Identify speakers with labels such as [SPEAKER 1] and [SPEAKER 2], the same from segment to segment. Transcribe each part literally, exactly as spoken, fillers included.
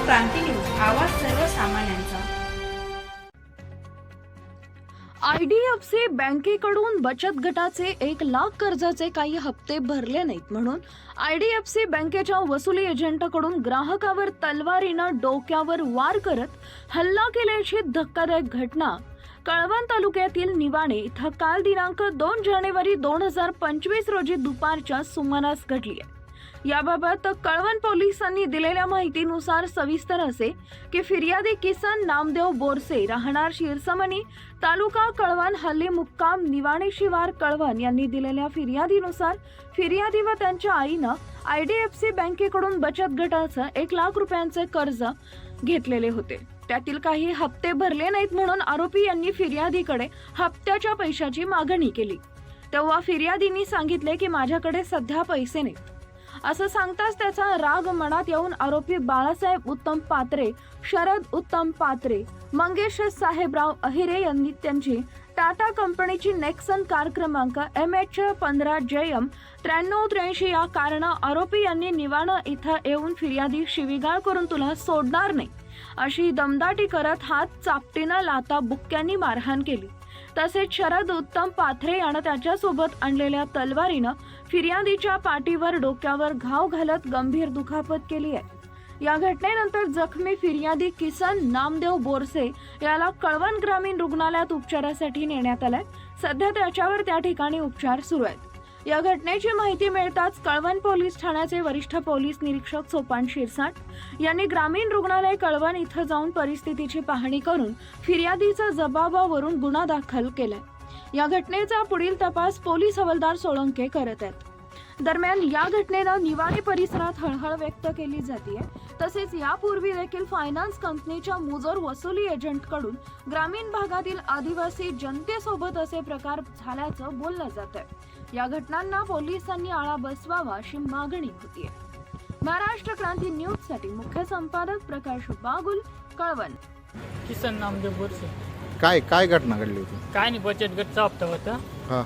[SPEAKER 1] क्रांती news, आवाज सर्वसामान्यांचा।
[SPEAKER 2] IDFC बँकेकडून बचत गटाचे एक लाख कर्जाचे काही हप्ते भरले नाहीत म्हणून आयडीएफसी बँकेच्या वसुली एजंटकडून ग्राहकावर तलवारीनं डोक्यावर वार करत हल्ला केल्याची धक्कादायक घटना कळवण तालुक्यातील निवाणे इथं काल दिनांक दोन जानेवारी दोन हजार पंचवीस रोजी दुपारच्या सुमारास घडली आहे। याबाबत कळवण पोलिसांनी दिलेल्या माहितीनुसार सविस्तर असे की फिर्यादी किसन नामदेव बोरसे राहणार शिरसमणी तालुका कळवण हल्ली मुक्काम निवाणे शिवार कळवण यांनी दिलेल्या फिर्यादीनुसार फिर्यादी व त्यांच्या आईनं आयडीएफसी बँकेकडून बचत गटाचं एक लाख रुपयांचे कर्ज घेतलेले होते। त्यातील काही हप्ते भरले नाहीत म्हणून आरोपी यांनी फिर्यादीकडे हप्त्याच्या पैशाची मागणी केली। तेव्हा फिर्यादींनी सांगितले की माझ्याकडे सध्या पैसे नाहीत असं सांगताच त्याचा राग मनात येऊन आरोपी बाळासाहेब उत्तम पात्रे, शरद उत्तम पात्रे, मंगेश साहेबराव अहिरे यांनी त्यांची टाटा कंपनीची नेक्सन कार क्रमांक एम एच पंधरा जे एम त्र्याण्णव त्र्याऐंशी या कारणे आरोपी यांनी निवाणा इथं येऊन फिर्यादी शिवीगाळ करून तुला सोडणार नाही अशी दमदाटी करत हात चापटीनं लाता बुक्क्यांनी मारहाण केली। तसेच शरद उत्तम पाथरे यानं त्याच्यासोबत आणलेल्या तलवारीनं फिर्यादीच्या पाठीवर डोक्यावर घाव घालत गंभीर दुखापत केली आहे। या घटनेनंतर जखमी फिर्यादी किसन नामदेव बोरसे याला कळवण ग्रामीण रुग्णालयात उपचारासाठी नेण्यात आलाय। सध्या त्याच्यावर त्या ठिकाणी उपचार सुरू आहेत। या घटनेची माहिती मिळताच कळवण पोलीस ठाण्याचे वरिष्ठ पोलीस निरीक्षक सोपान शिरसाट यांनी ग्रामीण रुग्णालय कळवण इथं जाऊन परिस्थितीची पाहणी करून फिर्यादीचा जबाबावरून गुन्हा दाखल केलाय। या घटनेचा पुढील तपास पोलीस हवालदार सोळंके करत आहेत। दरम्यान या घटनेनं निवाणे परिसरात हळहळ व्यक्त केली जाते। तसेच यापूर्वी देखील फायनान्स कंपनीच्या मुजोर वसुली एजंटकडून ग्रामीण भागातील आदिवासी जनतेसोबत असे प्रकार झाल्याचं बोललं जात आहे। या घटनांना पोलिसांनी आळा बसवावा अशी मागणी होतीये। महाराष्ट्र क्रांती न्यूज साठी मुख्य संपादक प्रकाश बागुल, कळवण।
[SPEAKER 3] किसन नामदेव बोरसे।
[SPEAKER 4] काय काय घटना घडली होती?
[SPEAKER 3] काय नाही, बचत गटचा हप्ता होता।
[SPEAKER 4] हां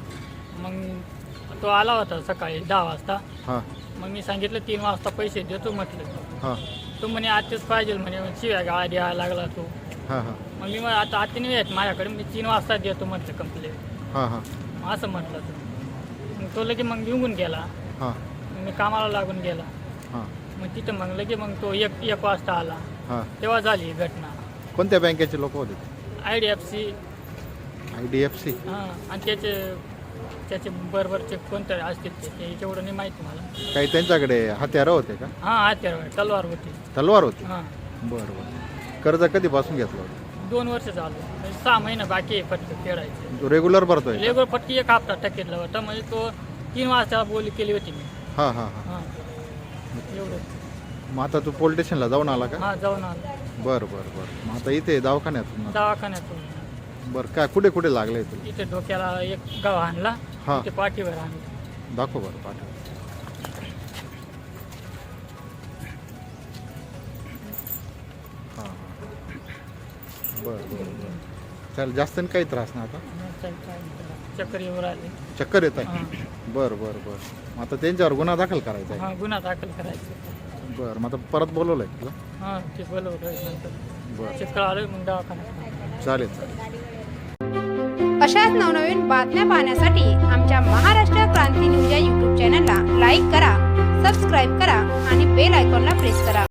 [SPEAKER 3] मग तो आला होता सकाळी दहा वाजता।
[SPEAKER 4] हां
[SPEAKER 3] मग मी सांगितलं तीन वाजता पैसे देतो म्हटलं।
[SPEAKER 4] हां
[SPEAKER 3] तो म्हणे आजच पाहिजे म्हणे, शिव्या गाळा द्यायला लागला तो।
[SPEAKER 4] हां हां
[SPEAKER 3] मग मी मग आता आते नाही आहेत माझ्याकडे, मी तीन वाजता देतो म्हटलं कंप्लेंट।
[SPEAKER 4] हां हां
[SPEAKER 3] असं म्हटलं तो। मग तो लगे मग निघून गेला।
[SPEAKER 4] हां
[SPEAKER 3] मी कामाला लागून गेला।
[SPEAKER 4] हां
[SPEAKER 3] मग तिथं मग लगे मग तो एक एक वाजता आला।
[SPEAKER 4] हां
[SPEAKER 3] तेव्हा झाली ही घटना।
[SPEAKER 4] कोणत्या बँकेचे लोक होते?
[SPEAKER 3] I D F C.
[SPEAKER 4] I D F C.
[SPEAKER 3] हां, आणि त्याचे त्याचे बरोबरचे कोणते असतील ते एवढं नाही माहिती मला।
[SPEAKER 4] काही त्यांच्याकडे हत्यारं होते का?
[SPEAKER 3] हां, हत्यार तलवार होती।
[SPEAKER 4] तलवार होती?
[SPEAKER 3] हां।
[SPEAKER 4] बरं बरं। कर्ज कधीपासून घेतलं होतं?
[SPEAKER 3] दोन वर्ष झालं, म्हणजे सहा महिने बाकी आहे फटके फेडायचे।
[SPEAKER 4] तो रेग्युलर भरतोय का?
[SPEAKER 3] रेगुलर फटकी एक हप्ता टक्केतला होता, म्हणजे तो तीन वाजता बोली केली होती मी।
[SPEAKER 4] हां हां हां
[SPEAKER 3] हां, एवढं।
[SPEAKER 4] मग आता तू पोलीस स्टेशनला जाऊन आला का?
[SPEAKER 3] हां, जाऊन आलो
[SPEAKER 4] बरं बरं बरं। मग आता इथे दवाखान्यात?
[SPEAKER 3] दवाखान्यातून।
[SPEAKER 4] बरं, काय कुठे कुठे लागले तुला?
[SPEAKER 3] इथे डोक्याला एक गाव आणला,
[SPEAKER 4] हां
[SPEAKER 3] इथे पाठीवर आणलं।
[SPEAKER 4] दाखव बरं पाठव। हां हां बरं बरं बरं। चल, जास्त काही त्रास नाही आता?
[SPEAKER 3] चल, काय नाही त्याला. चक्कर येऊ राहिले।
[SPEAKER 4] चक्कर येत आहे?
[SPEAKER 3] हां
[SPEAKER 4] बरं बरं बरं। मग आता त्यांच्यावर गुन्हा दाखल करायचा आहे?
[SPEAKER 3] हां, गुन्हा दाखल करायचा।
[SPEAKER 4] बरं, मग आता परत बोलवलं आहे तुला?
[SPEAKER 3] हां, ते बोलवलं नंतर
[SPEAKER 4] बरं
[SPEAKER 3] चक्कर आलं, मग दवाखान्यात।
[SPEAKER 4] चालेल चालेल।
[SPEAKER 1] अशाच नवनवीन बातम्या पाहण्यासाठी आमच्या महाराष्ट्र क्रांती न्यूज या यूट्यूब चॅनलला लाईक करा, सबस्क्राईब करा आणि बेल आयकॉनला प्रेस करा।